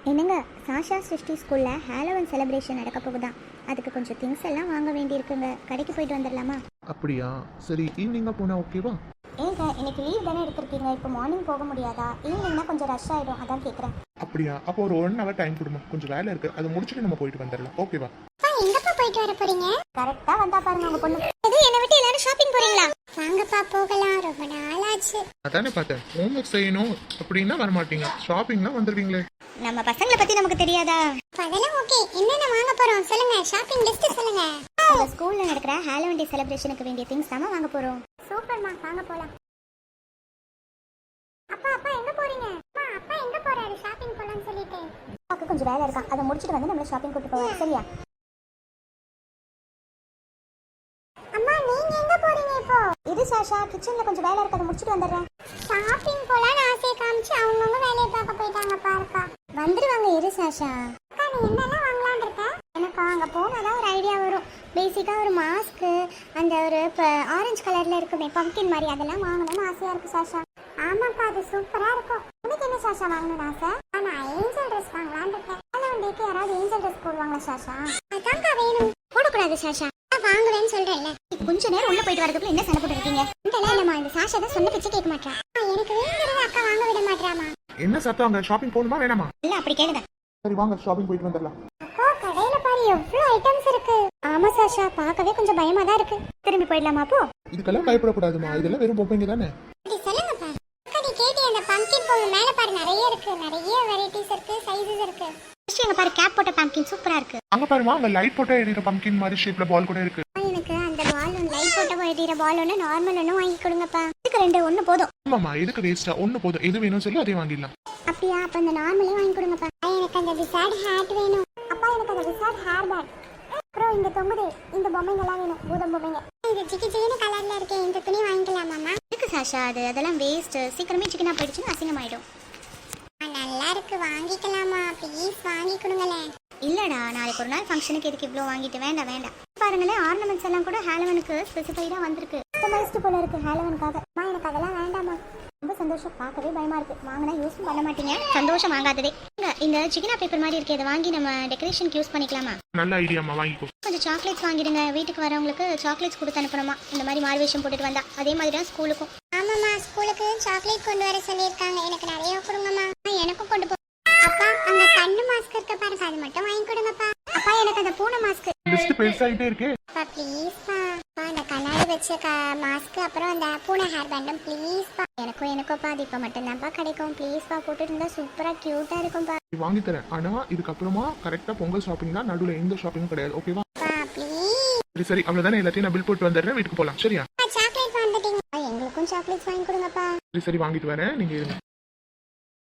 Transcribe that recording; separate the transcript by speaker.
Speaker 1: என்னங்க, சாஷா சிருஷ்டி ஸ்கூலில் ஹாலோவன் செலிப்ரேஷன் நடக்க போகுதான். அதுக்கு கொஞ்சம் திங்ஸ் எல்லாம் வாங்க வேண்டியிருக்குங்க. கடைக்கு போயிட்டு வந்துடலாமா?
Speaker 2: அப்படியா? சரி, ஈவினிங்காக போனால் ஓகேவா?
Speaker 1: ஏங்க, இன்னைக்கு லீவ் தானே எடுத்திருக்கீங்க. இப்போ மார்னிங் போக முடியாதா? ஈவினிங்னா கொஞ்சம் ரஷ் ஆகிடும், அதான் கேட்குறேன்.
Speaker 2: அப்படியா? அப்போ ஒரு 1 hour டைம் கொடுமா, கொஞ்சம் வேலை இருக்குது, அதை முடிச்சுட்டு நம்ம போயிட்டு வந்துடலாம். ஓகேவா?
Speaker 1: எங்கப்பா போயிட்டு வர போறீங்க? கரெக்டா வந்தா பாருங்க உங்க பொண்ணு. இது என்ன விட்டு எல்லாரும் ஷாப்பிங் போறீங்களா? வாங்கப்பா போகலாம், ரொம்ப நாள் ஆச்சு.
Speaker 2: அதானே பார்த்தேன், ஹோம்ஒர்க் செய்யணும் அப்படின்னா வரமாட்டீங்க, ஷாப்பிங்னா வந்துடுவீங்களே.
Speaker 1: நம்ம பசங்களை பத்தி நமக்கு தெரியாதா? அதெல்லாம் ஓகே. என்னென்ன வாங்க போறோம் சொல்லுங்க, ஷாப்பிங் லிஸ்ட் சொல்லுங்க. உங்க ஸ்கூல்ல நடக்கிற ஹாலோவன் டே செலிப்ரேஷனுக்கு வேண்டிய திங்ஸ் தான் வாங்க போறோம். சூப்பர்மா, வாங்க போலாம். அப்பா அப்பா எங்க போறீங்க? அம்மா அப்பா எங்க போறாரு ஷாப்பிங் போலாம்னு சொல்லிட்டு? அப்பாக்கு கொஞ்சம் வேலை இருக்கா, அதை முடிச்சிட்டு வந்து நம்ம ஷாப்பிங் கூட்டி போவோம். சரியா? அம்மா நீங்க எங்க போறீங்க இப்போ? இது சாஷா, கிச்சன்ல கொஞ்சம் வேலை இருக்கு, அதை முடிச்சிட்டு வந்துடுறேன். ஷாப்பிங் போலாம்னு ஆசையை காமிச்சு அவங்கவுங்க வேலையை பார்க்க போயிட்டாங்க பாருக்கா. வந்துருவாங்க, இரு சாஷா. அக்கா நீ என்னெல்லாம் வாங்கலாம்னு இருக்க? எனக்கு அங்கே போனாதான் ஒரு ஐடியா வரும். பேசிக்காக ஒரு மாஸ்க்கு, அந்த ஒரு இப்போ ஆரஞ்சு கலரில் இருக்குமே பம்கின் மாதிரி, அதெல்லாம் வாங்கணும்னு ஆசையாக இருக்குது சாஷா. ஆமாப்பா, அது சூப்பராக இருக்கும். உனக்கு என்ன சாஷா வாங்கணும்னு ஆசை? நான் ஏஞ்சல் ட்ரெஸ் வாங்கலான்னு இருக்கேன். ஹாலோவன் யாராவது ஏஞ்சல் ட்ரெஸ் போடுவாங்களா சாஷா? அதான்க்கா வேணும். போடக்கூடாது சாஷா, வாங்குவேன்னு சொல்றேன்ல. கொஞ்ச நேரம் உள்ள போயிட்டு வரதுக்குள்ள என்ன சண்டை போட்டு இருக்கீங்க? இல்லம்மா, இந்த சாஷா தான் சொன்ன பிச்சை கேட்க மாட்டா. எனக்கு வேணுங்கிறத அக்கா வாங்க விட மாட்டாமா.
Speaker 2: என்ன சத்தம் அங்கே? ஷாப்பிங் போகணுமா வேணாமா?
Speaker 1: இல்ல அப்படி கேளுங்க.
Speaker 2: சரி வாங்க, ஷாப்பிங் போயிட்டு வந்துடலாம்.
Speaker 1: அக்கா கடையில பாரு எவ்வளவு ஐட்டம்ஸ் இருக்கு. ஆமா சாஷா, பார்க்கவே கொஞ்சம் பயமா தான் இருக்கு. திரும்பி போயிடலாமா அப்போ?
Speaker 2: இதுக்கெல்லாம் பயப்படக்கூடாதுமா, இதெல்லாம் வெறும் பொம்மைங்க தானே.
Speaker 1: சொல்லுங்கப்பா. அக்கா நீ கேட்டி அந்த பம்கின் பொம்மை மேல பாரு, நிறைய இருக்கு, நிறைய வெரைட்டிஸ் இருக்கு, சைஸஸ் இருக்கு. எங்க பாரு, கேப் போட்ட பம்கின் சூப்பரா இருக்கு.
Speaker 2: அங்க பாருமா, அங்க லைட் போட்டா எரியுற பம்கின் மாதிரி ஷேப்ல பால் கூட இருக்கு.
Speaker 1: எனக்கு அந்த பால் ஒன்று, லைட் போட்ட எரியுற பால் ஒன்று, நார்மல் ஒன்று வாங்கி கொடுங்கப்பா. இதுக்கு ரெண்டு, ஒன்று போதும்.
Speaker 2: ஆமாமா, எதுக்கு வேஸ்டா? ஒன்று போதும், எது வேணும்னு சொல்லி அதே வாங்கிடலாம்.
Speaker 1: அப்படியா? அப்ப அந்த நார்மலே வாங்கி கொடுங்கப்பா. எனக்கு அந்த விசார்ட் ஹேட் வேணும். அப்பா எனக்கு அந்த விசார்ட் ஹேர் பேண்ட். அப்புறம் இந்த தொங்குதே இந்த பொம்மைங்கெல்லாம் வேணும், பூதம் பொம்மைங்க. இந்த சிக்கி சிக்கன கலர்ல இருக்கே, இந்த துணி வாங்கிக்கலாமாம்மா? இருக்கு சாஷா, அதெல்லாம் வேஸ்ட். சீக்கிரமே சிக்கனா போயிடுச்சுன்னா அசிங்கமாயிடும். நல்லா இருக்கு, வாங்கிக்கலாமா? ப்ளீஸ் வாங்கி கொடுங்களேன். இல்லடா, நாளைக்கு ஒரு நாள் ஃபங்க்ஷனுக்கு எதுக்கு இவ்வளோ வாங்கிட்டு? வேண்டாம் வேண்டாம். பாருங்களேன், ஆர்னமெண்ட்ஸ் எல்லாம் கூட ஹாலோவனுக்கு ஸ்பெசிஃபைடா வந்திருக்கு. கஸ்டமைஸ்டு போல இருக்கு ஹாலோவனுக்காக. அம்மா எனக்கு அதெல்லாம் வேண்டாமா. ரொம்ப சந்தோஷம், பார்க்கவே பயமா இருக்கு. வாங்கினா யூஸ் பண்ண மாட்டீங்க, சந்தோஷம் வாங்காததே. இந்த சிக்கனா பேப்பர் மாதிரி இருக்கே, அதை வாங்கி நம்ம டெக்கரேஷனுக்கு யூஸ் பண்ணிக்கலாமா?
Speaker 2: நல்ல ஐடியாமா, வாங்கிக்கோ.
Speaker 1: கொஞ்சம் சாக்லேட்ஸ் வாங்கிடுங்க, வீட்டுக்கு வரவங்களுக்கு சாக்லேட்ஸ் கொடுத்து அனுப்பணுமா, இந்த மாதிரி மார்வேஷம் போட்டுட்டு வந்தா. அதே மாதிரி தான் ஸ்கூலுக்கும். ஆமாம்மா, ஸ்கூலுக்கு சாக்லேட் கொண்டு வர சொல்லியிருக்காங்க. எனக்கு நிறைய கொடுங்கம்மா. எனக்கும் கொண்டு போ. அப்பா அந்த கண்ணு மாஸ்க் இருக்க பாருங்க, அது மட்டும் வாங்கி கொடுங்கப்பா. அப்பா எனக்கு அந்த பூனை மாஸ்க்.
Speaker 2: லிஸ்ட் பெருசாயிட்டே இருக்கே.
Speaker 1: அப்பா ப்ளீஸ்ப்பா, அந்த கண்ணாடி வச்ச மாஸ்க், அப்புறம் அந்த பூனை ஹேர் பேண்டும் ப்ளீஸ்ப்பா. எனக்கும்ப்பா, அது இப்போ மட்டும்தான்ப்பா கிடைக்கும். ப்ளீஸ்ப்பா, போட்டுட்டு இருந்தா சூப்பரா கியூட்டா இருக்கும்பா.
Speaker 2: வாங்கி தரேன், ஆனா இதுக்கப்புறமா கரெக்டா பொங்கல் ஷாப்பிங் தான், நடுவில் எந்த ஷாப்பிங்கும் கிடையாது. ஓகேவா? சரி சரி, அவ்வளவுதானே, எல்லாத்தையும் நான் பில் போட்டு வந்துடுறேன், வீட்டுக்கு போலாம். சரியா?
Speaker 1: சாக்லேட் வாங்கிட்டீங்க, எங்களுக்கும் சாக்லேட்ஸ் வாங்கி கொடுங்கப்பா.
Speaker 2: சரி சரி, வாங்கிட்டு வரேன், நீங்க இருங்க.